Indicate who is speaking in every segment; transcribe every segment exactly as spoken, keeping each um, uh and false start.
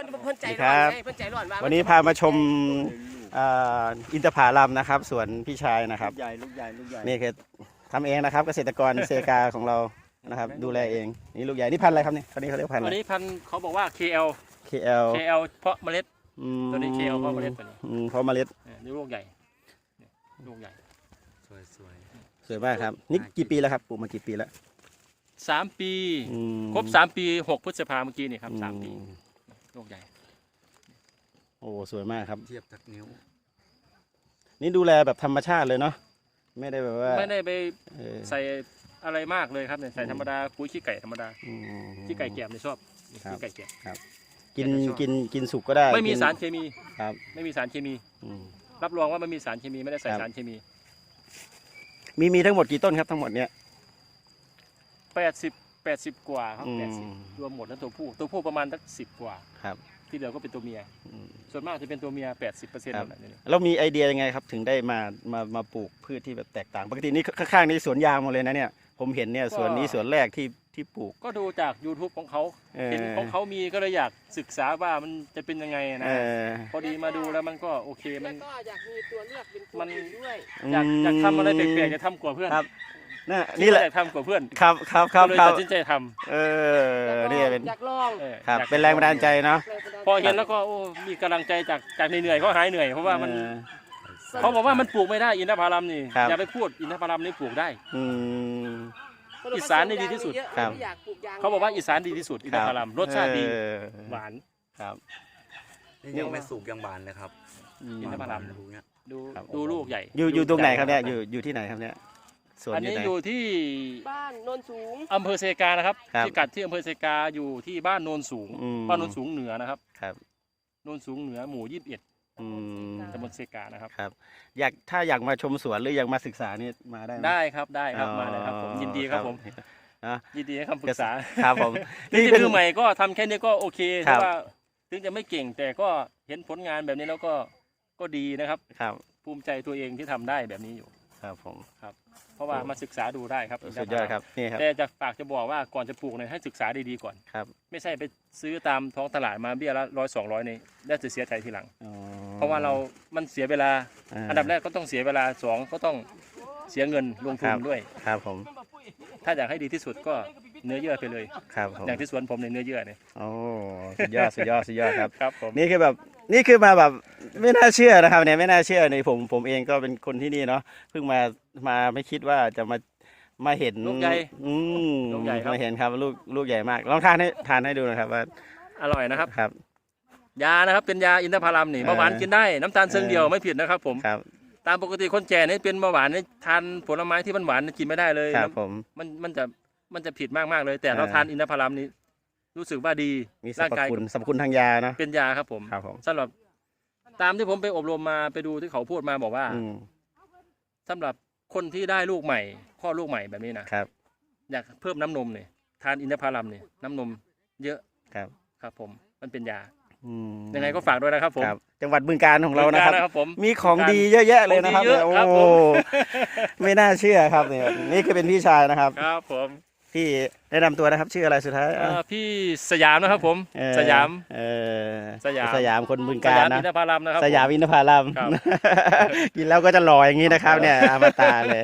Speaker 1: พิ่นเพิ่นใจร้อนเพิ่นใจร้อน
Speaker 2: วันนี้พามาชมอินทผลัมนะครับสวนพี่ชายนะครับ
Speaker 3: ลูกใหญ่ลูกใหญ่ลูกใหญ่
Speaker 2: นี่คือทำเองนะครับเกษตรกรเซกาของเรานะครับดูแลเองนี่ลูกใหญ่นี่พันธุ์อะไรครับเนี่ยตอนนี้เขาเรียกพันธุ์อะไร
Speaker 1: อันนี้พันธุ์เขาบอกว่า เค แอล
Speaker 2: เค แอล
Speaker 1: เค แอล เพาะเมล็ดตัวนี้ เค แอล เพาะเมล็ดตัวนี้
Speaker 2: เพาะเมล็ด
Speaker 1: นี่ลูกใหญ่ลูกใหญ่
Speaker 3: สวยสวย
Speaker 2: สวยมากครับนี่กี่ปีแล้วครับปลูกมากี่ปีแล้ว
Speaker 1: สามปีครบสามปีหกพฤษภาเมื่อกี้นี่ครับสามปีลูกใหญ่
Speaker 2: โอ้สวยมากครับ
Speaker 3: เทียบจากนิ้ว
Speaker 2: นี่ดูแลแบบธรรมชาติเลยเนาะไม่ได้แบบว่า
Speaker 1: ไม่ได้ไปใส่อะไรมากเลยครับเนี่ยใส่ธรรมดาปุ๋ยขี้ไก่ธรรมดาขี้ไก่แกบเนี่ยชอบขี้ไก่แกบ
Speaker 2: ครับกินกินกินสุกก็ได้
Speaker 1: ไม่มีสารเคมี
Speaker 2: ครับ
Speaker 1: ไม่มีสารเคมีรับรองว่าไม่มีสารเคมีไม่ได้ใส่สารเคมี
Speaker 2: มีมีทั้งหมดกี่ต้นครับทั้งหมดเนี้ย
Speaker 1: แปดสิบแปดสิบกว่าครับแปดสิบรวมหมดแล้วตัวผู้ตัวผู้ประมาณสักสิบกว่า
Speaker 2: ครับ
Speaker 1: ที่เหลือก็เป็นตัวเมียส่วนมากจะเป็นตัวเมียแปดสิบเปอร์เซ็นต์
Speaker 2: แล้วมีไอเดียยังไงครับถึงได้มามามาปลูกพืชที่แบบแตกต่างปกตินี่ข้างๆนี่สวนยางหมดเลยนะเนี่ยผมเห็นเนี่ยสวนนี้สวนแรกที่ที่ปลูก
Speaker 1: ก็ดูจาก ยูทูบ ของเขาเห็นของเขามีก็เลยอยากศึกษาว่ามันจะเป็นยังไงนะพอดีมาดูแล้วมันก็โอเคมันก็อยากมีตัวเลือกเป็นมันด้วยอยากอยากทำอะไรแปลกๆจะทำกว่าเพื่อน
Speaker 2: นี่นี่แหละ
Speaker 1: ทำกว่าเพื่อน
Speaker 2: ครับครับครับ
Speaker 1: เลยตัดสินใจทำ
Speaker 2: เออนี่เป็น
Speaker 1: อยากลอง
Speaker 2: ครับเป็นแรงบันดาลใจเนาะ
Speaker 1: พอเห็นแล้วก็โอ้มีกำลังใจจากจากเหนื่อยเขาหายเหนื่อยเพราะว่ามันเขาบอกว่ามันปลูกไม่ได้อินทผลัมนี่อย่าไปพูดอินทผลัมนี่ปลูกได้อีสานนี่ดีที่สุดเขาบอกว่าอีสานดีที่สุดอินทผลัมรสชาติดีหวาน
Speaker 2: ครับ
Speaker 3: นี่ยังไม่สุกยังบานเลยครับ
Speaker 1: อินทผลัมดูดูลูกใหญ่
Speaker 2: อยู่อยู่ตรงไหนครับเนี่ยอยู่อยู่ที่ไหนครับเนี่ย
Speaker 1: อันนี้อยู่ที่บ้านโนนสูงอำเภอเซกานะครับที่กัดที่อำเภอเซกาอยู่ที่บ้านโนนสูงบ้านโนนสูงเหนือนะครับ
Speaker 2: ครับ
Speaker 1: โนนสูงเหนือหมู่ยี่สิบเอ็ดตำบลเซกานะครับ
Speaker 2: ครับอยากถ้าอยากมาชมสวนหรืออยากมาศึกษานี่มาได้
Speaker 1: ได้ครับได้ครับมาเลยครับผมยินดีครับผมยินดีให้คำปรึกษา
Speaker 2: ครับผม
Speaker 1: นี่เป็นมือใหม่ก็ทำแค่นี้ก็โอเคเพราะว่าถึงจะไม่เก่งแต่ก็เห็นผลงานแบบนี้แล้วก็ก็ดีนะครับ
Speaker 2: ครับ
Speaker 1: ภูมิใจตัวเองที่ทำได้แบบนี้อยู่
Speaker 2: ครับผม
Speaker 1: ครับเพราะว่ามาศึกษาดูได้ครับ
Speaker 2: สุดยอดครับนี่ครับ
Speaker 1: แต่จะฝากจะบอกว่าก่อนจะปลูกเนี่ยให้ศึกษาดีๆก่อน
Speaker 2: ครับ
Speaker 1: ไม่ใช่ไปซื้อตามท้องตลาดมาเบี้ยละร้อยสองร้อยนี่ได้จะเสียใจทีหลังเพราะว่าเรามันเสียเวลาอันดับแรกก็ต้องเสียเวลาสองก็ต้องเสียเงินลงทุนด้วย
Speaker 2: ครับผม
Speaker 1: ถ้าอยากให้ดีที่สุดก็เนื้อเยื่อไปเลย
Speaker 2: ครับ
Speaker 1: อย่างที่สวนผมในเนื้อเยื่อเนี่ย
Speaker 2: โอ้สุดยอดสุดยอดสุดยอดครับ
Speaker 1: ครับผม
Speaker 2: นี่คือแบบนี่คือมาแบบไม่น่าเชื่อนะครับเนี่ยไม่น่าเชื่อในผมผมเองก็เป็นคนที่นี่เนาะเพิ่งมามาไม่คิดว่าจะมามาเห็น
Speaker 1: ลูกใหญ่
Speaker 2: อืม
Speaker 1: ลูกใหญ่ครับ
Speaker 2: มาเห็นครับลูกลูกใหญ่มากลองทานให้ทานให้ดูนะครับว่า
Speaker 1: อร่อยนะครับ
Speaker 2: ครับ
Speaker 1: ยานะครับเป็นยาอินทผลัมนี่เบาหวานกินได้น้ำตาลเชิงเดียวไม่ผิดนะครับผม
Speaker 2: ครับ
Speaker 1: ตามปกติคนแก่นี่เป็นเบาหวานนี่ทานผลไม้ที่มันหวานกินไม่ได้เลย
Speaker 2: ครับผม
Speaker 1: มันมันจะมันจะผิดมากมากเลยแต่เราทานอินทผลัมนี่รู้สึกว่าดี
Speaker 2: ร่างกายสรรพคุณทางยานะ
Speaker 1: เป็นยาครับผม
Speaker 2: ครับผม
Speaker 1: สำหรับตามที่ผมไปอบรมมาไปดูที่เขาพูดมาบอกว่าสำหรับคนที่ได้ลูกใหม่พ่อลูกใหม่แบบนี้นะครับอยากเพิ่มน้ำนมเนี่ยทานอินทผลัมเนี่ยน้ำนมเยอะ
Speaker 2: ครับ
Speaker 1: ครับผมมันเป็นยายังไงก็ฝากด้วยนะครับผม
Speaker 2: จังหวัดบึงกาฬของเรานะครับ
Speaker 1: ผม
Speaker 2: มีของดีเยอะแยะเลยนะครับโอ้ไม่น่าเชื่อครับเนี่ยนี่คือเป็นพี่ชายนะครับ
Speaker 1: ครับผม
Speaker 2: พี่แนะนำตัวนะครับชื่ออะไรสุดท้าย
Speaker 1: พี่สยามนะครับผมสยาม
Speaker 2: สยามสยามคนบึงกาฬนะ
Speaker 1: อินทผลัมนะครับ
Speaker 2: สยามอินทผลัมกินแล้วก็จะหล่ออย่างนี้นะครับเนี่ยอมตะเลย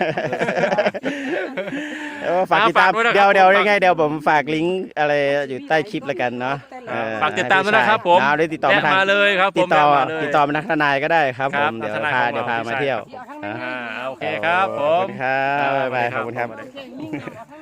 Speaker 2: ฝากติดตามเดี๋ยวเดี๋ยวยังไงเดี๋ยวผมฝากลิงก์อะไรอยู่ใต้คลิปแล้วกันเนาะ
Speaker 1: ฝากติดตามด้วยนะครับผม
Speaker 2: ได้ติดต่อ
Speaker 1: มาเลยครับ
Speaker 2: ติดต่อติดต่อมานักทนายก็ได้ครับผมเดี๋ยวพาเดี๋ยวพามาเที่ยว
Speaker 1: โอเคครับผม
Speaker 2: ครับบ๊ายบายขอบคุณครับ